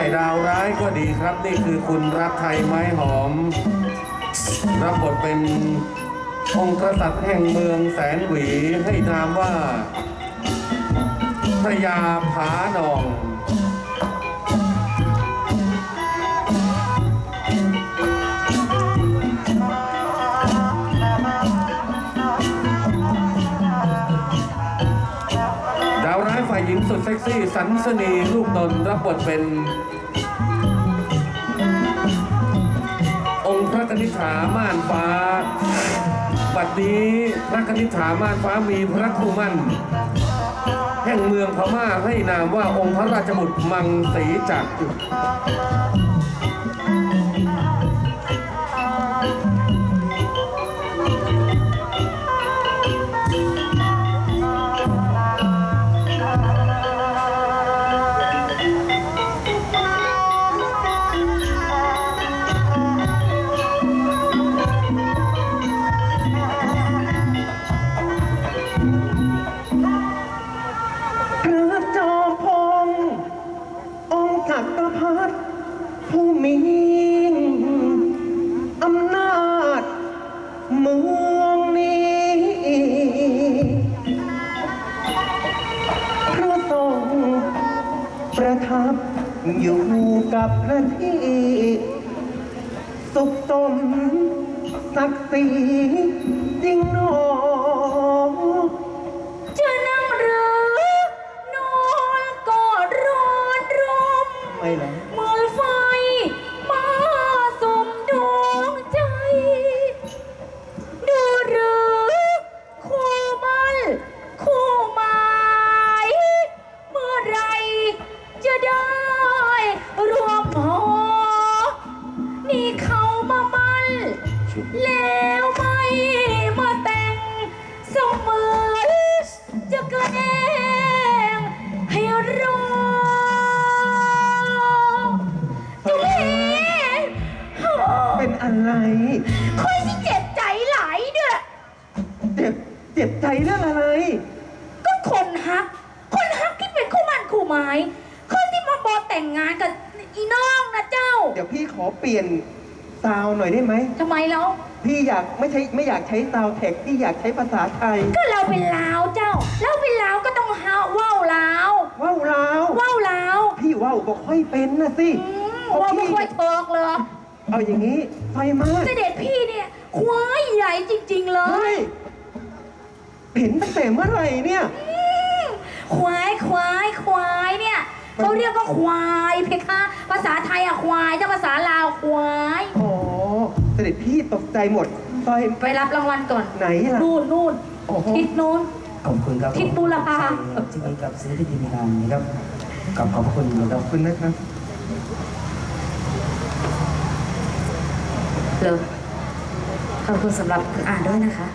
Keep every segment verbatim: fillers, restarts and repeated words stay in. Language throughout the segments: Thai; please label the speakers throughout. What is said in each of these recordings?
Speaker 1: ดาวร้ายก็ดีครับนี่คือคุณรักไทยไม้หอมรับบทเป็นองค์กษัตริย์แห่งเมืองแสนหวีให้นามว่าพระยาผาหนองดาวร้ายฝ่ายหญิงสุดเซ็กซี่สันสนีลูกนนท์รับบทเป็นองค์พระกนิษฐาม่านฟ้าบัดนี้พระกนิษฐาม่านฟ้ามีพระคู่มั่นแห่งเมืองพม่าให้นามว่าองค์พระราชบุตรมังสีจักร
Speaker 2: ผู้มีอำนาจเมืองนี้พระทรงประทับอยู่กับพระที่สุขสมศักดิ์ศรีจริงหนอ
Speaker 3: จะนั่งหรือนอนกอดร้อนรม
Speaker 2: ไม่หรอ
Speaker 3: เมื่อไฟมาสมดวงใจดูหรือคู่มันคู่หมายเมื่อไรจะได้รวมหอนี่เขามามันแล้วไม่มาแต่งเสมือนจะแกล้งให้รอจุลี
Speaker 2: เป็นอะไร
Speaker 3: ค่อยที่เจ็บใจหลายเด้อ
Speaker 2: เจ็บเจ็บใจเรื่องอะไร
Speaker 3: ก็คนฮักคนฮักที่เป็นคู่มั่นคู่หมายคนที่มาบอกแต่งงานกับอีน้องนะเจ้า
Speaker 2: เดี๋ยวพี่ขอเปลี่ยนซาวหน่อยได้ไหม
Speaker 3: ทำไมแล้ว
Speaker 2: พี่อยากไม่ใช่ไม่อยากใช้ซาวแท็กพี่อยากใช้ภาษาไทย
Speaker 3: ก็เราเป็นลาวเจ้าเราเป็นลาวก็ต้องฮาว่าวลาว
Speaker 2: ว่าวลาว
Speaker 3: ว่าวลาว
Speaker 2: พี่ว่าวบอกค่อยเป็นนะสิ
Speaker 3: ว่าวไม่ค่อยเทิกเลย
Speaker 2: เอาอย่างนี้ไฟมา
Speaker 3: เสด็จพี่เนี่ยควายใหญ่จริงๆเลย
Speaker 2: เห็นตั้งแต่เมื่อไหร่เนี่ย
Speaker 3: ควายควายควายเนี่ยเขาเรียกว่าควายเพคะภาษาไทยอะควายถ้าภาษาลาวควาย
Speaker 2: อ๋อเสด็จพี่ตกใจหมดไฟ
Speaker 3: ไปรับรางวัลก่อน
Speaker 2: ไหนล่ะ
Speaker 3: นู่นนู่นทิศนู้น
Speaker 4: ขอบคุณครับ
Speaker 3: ทิศบูรพา
Speaker 4: ที่มีกับศิลปินทีมงานนะครับกับขอบคุณขอบ
Speaker 2: คุณนะครับ
Speaker 3: เลยขอบคุณสำหรับอ่านด้วยนะคะ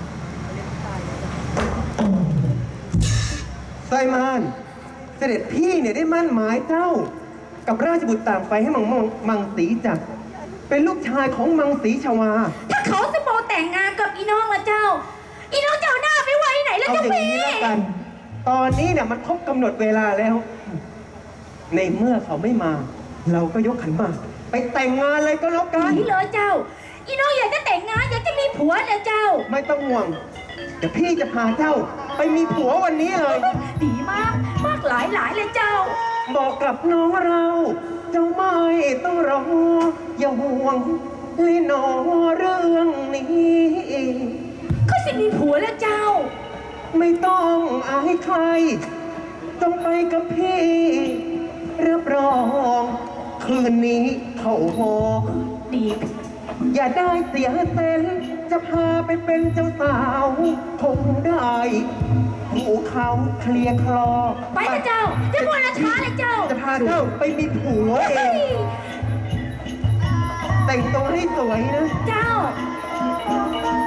Speaker 2: ไซมานเสด็จพี่เนี่ยได้มั่นหมายเจ้ากับราชบุตรต่างไฟให้มังมังสีจักรเป็นลูกชายของมังสีชวา
Speaker 3: ถ้าเขาจะโมแต่งงานกับอีน้องละเจ้าอีน้องเจ้าหน้าไปไว้ไหนแล้วเจ้าพี่
Speaker 2: เอาอย่างนี้แล้วกันตอนนี้เนี่ยมันครบกำหนดเวลาแล้วในเมื่อเขาไม่มาเราก็ยกขันหมากไปแต่งงานเลยก็แล้วกัน
Speaker 3: นี่เลยเจ้าอีน้องอยากจะแต่งงานอยากจะมีผัวเลยเจ้า
Speaker 2: ไม่ต้องห่วงเดี๋ยวพี่จะพาเจ้าไปมีผัววันนี้เลย
Speaker 3: ดีมากมากหลายหลายเลยเจ้า
Speaker 2: บอกกับน้องเราเจ้าไม่ต้องรออย่าห่วงเลยนอเรื่องนี้
Speaker 3: เขาจะมีผัวแล้วเจ้า
Speaker 2: ไม่ต้องอายใครต้องไปกับพี่รับรองคืนนี้เขาหอ
Speaker 3: ดี
Speaker 2: อย่าได้เสียเต้นจะพาไปเป็นเจ้าสาวคงได้หูเขาเคลียร์คลอ
Speaker 3: ไปนะเจ้าจะพูดละช้าเลยเจ้า
Speaker 2: จะพาเจ้าไปมีผัวเองแต่งตัวให้สวยนะ
Speaker 3: เจ้า